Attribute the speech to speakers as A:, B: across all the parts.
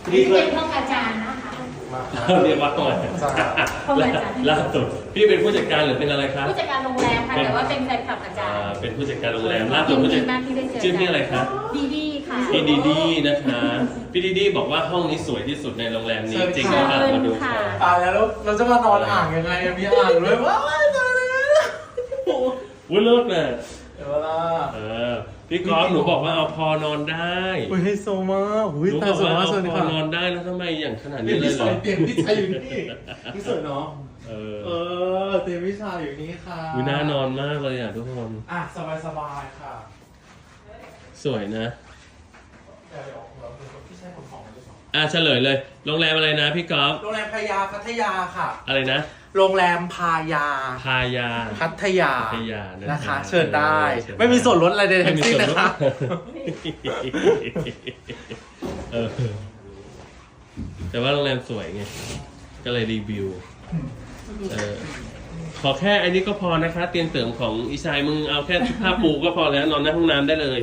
A: นี่เป็นห้องอาจารย์นะคะ
B: เรียกว่าห้องอาจารย์ล่าสุดพี่เป็นผู้จัดการหรือเป็นอะไรครับ
A: ผู้จัดการโรงแรมค่ะแต่ว่าเป็นแฟนคลับอาจารย์
B: เป็นผู้จัดการโรงแรมล่าสุดผู้จัดการชื่อพี่อะไรครับ
A: ดีดีค่ะ
B: พี่ดีดีนะคะพี่ดีดีบอกว่าห้องนี้สวยที่สุดในโรงแรมนี้จริงหรือเปล่ามาดูค่ะ
C: ตายแล้วเราจะมานอนอ่างยังไงมีอ่างเลยว้าวตายแล้ว
B: วุ้นเลิศน่ะ
C: เดี๋ยวละ
B: พี่ก๊อฟหนูบอกว่าเอาพอนอนได้
C: อุ้ยไฮโซมากอุ้ย
B: ตาสวยมากเอาพอนอนได้แล้วทำไมอย่างขนาดนี้เลยเหรอ
C: เตียงพี่ชายอยู่นี่พี่สวยเนาะเตียงพี่ชายอยู่นี่ค่ะ
B: วิน่านอนมากเลยอ่ะทุกคน
C: สบายค่ะ
B: สวยนะ
C: เดี๋ยวพี่ชายขนของด้วย
B: เฉลยเลยโรงแรมอะไรนะพี่ก๊อฟ
C: โรงแรมพายาพัทยาค่ะ
B: อะไรนะ
C: โรงแรมพายาพัทยานะคะเชิญได้ไม่มีส่วนลดอะไรใดทั้งสิ้นนะคะ
B: แต่ว่าโรงแรมสวยไงก็เลยรีวิวขอแค่อันนี้ก็พอนะคะเตียงเสริมของอีชายมึงเอาแค่ผ้าปูก็พอแล้วนอนในห้องน้ำได้เลย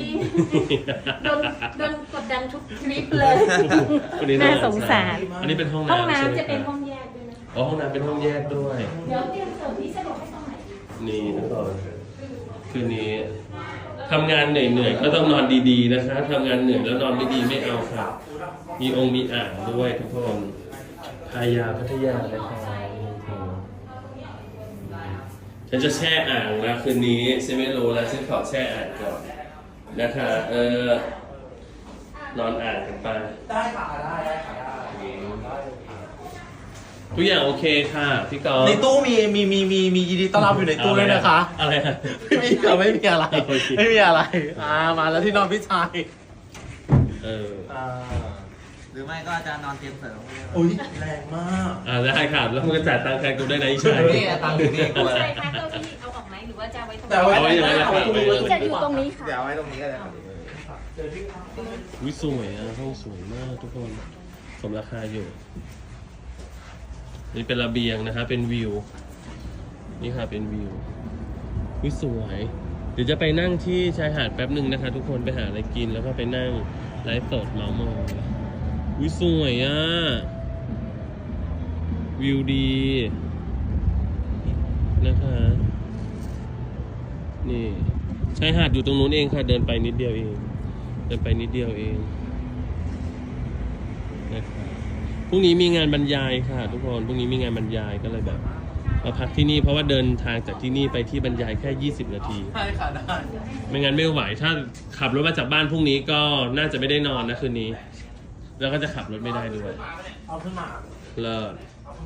A: โดนกดดันทุกคลิปเลยน่าสงสาร
B: อันนี้เป็นห้อง
A: น้ำจะเป็นห้องแยกด้วยนะ
B: ห้องน้ำเป็นห้องแยกด้วย
A: เดี๋ยวเตียงเสริมที่สะดวกให้ตรงไหน
B: นี่ทุกคนคืนนี้ทำงานเหนื่อยๆก็ต้องนอนดีๆนะคะทำงานเหนื่อยแล้วนอนไม่ดีไม่เอาค่ะมีองค์มีอ่างด้วยทุกคนพายาพัทยานะคะฉันจะแช่อ่างนะคืนนี้ฉันไม่รู้แล้วฉันขอแช่อ่างก่อนนะคะนอนอ่างกันไป
C: ได้ค่ะได้ค่ะ
B: ทุกอย่างโอเคค่ะพี่กอล์ฟ
C: ในตู้มียินดีต้อนรับอยู่ในตู้ด้วยนะคะ
B: อะไร
C: ไม่มีอะไรไม่มีอะไรมาแล้วที่นอนพี่ชาย
D: หรือไม่ก็อาจารย์นอนเตียงเสริม
C: อุ้ยแรงมาก
B: ได้ค่ะแล้วมึงก็จ่ายตังค์แทนกูได้นะอีชัย
D: นี่ตังค์อยู่นี่กู
A: ใช่ค่ะเก้าอี้เอาออกไหมหรือว่าจะไว้ตรงนี้
B: เอาไว้อย่างไรครับ
A: จะอยู่ตรงนี้ค่ะ
D: เดี๋ยวไว้ตรงนี้ก็ได้
B: วิสวยห้องสวยมากทุกคนสมราคาอยู่นี่เป็นระเบียงนะคะเป็นวิวนี่ค่ะเป็นวิววิสวยเดี๋ยวจะไปนั่งที่ชายหาดแป๊บหนึ่งนะคะทุกคนไปหาอะไรกินแล้วก็ไปนั่งไลฟ์สดเมาส์มอยวิสวยวิวดีนะคะนี่ชายหาดอยู่ตรงนู้นเองค่ะเดินไปนิดเดียวเองนะครับพรุ่งนี้มีงานบรรยายค่ะทุกคนพรุ่งนี้มีงานบรรยายก็เลยแบบมาพักที่นี่เพราะว่าเดินทางจากที่นี่ไปที่บรรยายแค่20 นาที
C: ใช่ค่ะได้
B: ไม่งั้นไม่ไหวถ้าขับรถมาจากบ้านพรุ่งนี้ก็น่าจะไม่ได้นอนนะคืนนี้แล้วก็จะขับรถไม่ได้ด้วย
C: เอาขึ้นมา
B: เลิศ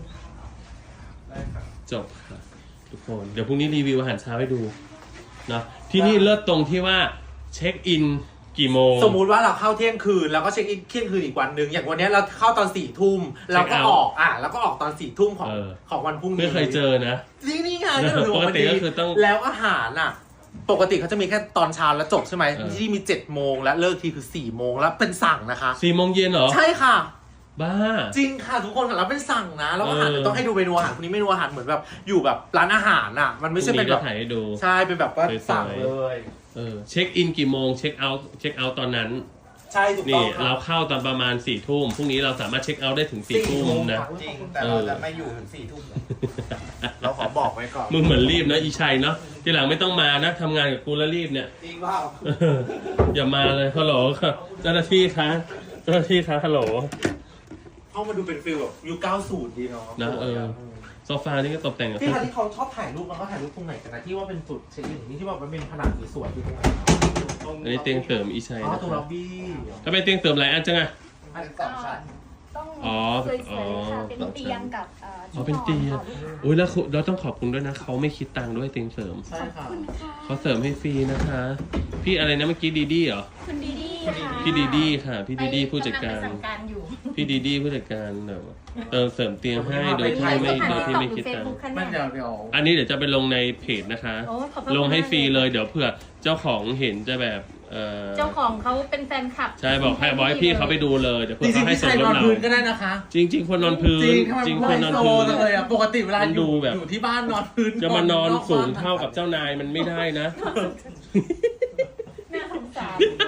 B: จบค่ะทุกคนเดี๋ยวพรุ่งนี้รีวิวอาหารเช้าให้ดูนะที่นี่เลิศตรงที่ว่าเช็คอินกี่โมง
C: สมมุติว่าเราเข้าเที่ยงคืนแล้วก็เช็คอินเที่ยงคืนอีกวันหนึ่งอย่างวันนี้เราเข้าตอน4 ทุ่มแล้วก็ออกแล้วก็ออกตอน4 ทุ่มของวันพรุ่งนี้
B: ไม่เคยเจอนะ
C: นี่ไงปกติก็คือต้องแล้วอาหารปกติเขาจะมีแค่ตอนเช้าแล้วจบใช่ไหมที่มี7 โมงและเลิกทีคือ4 โมงแล้วเป็นสั่งนะคะ
B: 4 โมงเย็นเหรอ
C: ใช่ค่ะ
B: บ้า
C: จริงค่ะทุกคนค่ะแล้วเป็นสั่งนะแล้วอาหารต้องให้ดูเมนูอาหารคนนี้เมนูอาหารเหมือนแบบอยู่แบบร้านอาหารมันไม่ใช่เป็นแบบใช่เป็นแบบว่าสั่งเลย
B: เช็คอินกี่โมงเช็คเอาท์ตอนนั้น
C: ใช่ถูกต้อง
B: เราเข้าตอนประมาณ4 ทุ่มพรุ่งนี้เราสามารถเช็คเอาท์ได้ถึง4 ทุ่มนะ
D: จริงแต่เราจะไม่อยู่ถึง4 ทุ่มเราขอบอกไว้ก่อน
B: มึงเหมือนรีบนะอีชัยเนาะทีหลังไม่ต้องมานะทำงานกับกูแล้วรีบเนี่ย
D: จริงเปล่า
B: อย่ามาเลยฮัลโหลเจ้าหน้าที่คะฮัลโหล
C: เข้ามาดูเป็นฟิลแบบยุค90ดีเนาะ
B: นะโซฟานี่ก็ตกแต่ง
C: ที่เขาชอบถ่ายรูปมันก็ถ่ายรูปตรงไหนกันนะที่ว่าเป็นจุดเช็คอินนี่ที่ว่ามันเป็นผนังสวยๆอยู่ตรงไหน
B: อันนี้เตียงเติมอีชัย
C: นะตรงล็อบบี้
B: ถ้าเป็นเตียงเติมหลายอันจัง
D: อัน2 ชั้น
A: ต้องสวยๆค่ะเป็นเตียงกับ
B: เป็นเตียงอุ้ยแล้วเราต้องขอบคุณด้วยนะเขาไม่คิดตังค์ด้วยเตียงเสริม
C: ใช่ค่ะ
B: เขาเสริมให้ฟรีนะคะพี่อะไรนะเมื่อกี้ดีเหรอ
A: คุณดีดีค่ะ
B: พี่ดีดีค่ะพี่ดีดีผู้จัดการพี่ดีดีผู้จัดการเสริมเตียงให้โดยที่ไม่คิดตังค์อันนี้เดี๋ยวจะไปลงในเพจนะคะลงให้ฟรีเลยเดี๋ยวเผื่อเจ้าของเห็นจะแบบ
A: เจ้าของเขาเป็นแฟนคลับ
B: ใช่บอกให้พี่เขาไปดูเลยเดี๋ยวเพื่อเขาให้ส่งเรา
C: ก็ได้นะคะ
B: จริงคนนอนพื้นจริงคนนอนพื้น
C: เลยปกติเวลาอยู่ที่บ้านนอนพื้น
B: จะมานอนสูงเท่ากับเจ้านายมันไม่ได้นะ
A: น่าสงสาร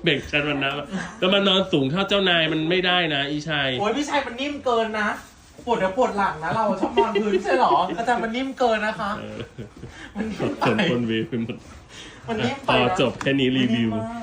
B: เบ่งชันวันนะแต่มันนอนสูงเท่าเจ้านายมันไม่ได้นะอีชัย
C: โอ้ยพี่ชัยมันนิ่มเกินนะปวดเดี๋ยวปวดหลังนะเราชอบนอนพื้นใช่หรออาจารย์มันนิ่มเกินนะคะมันนิ่มไป
B: คนเวฟไปหมด
C: มันนิ่มไป
B: ต่อ
C: นะ
B: จบแค่นี้รีวิว
C: มันนิ่มมาก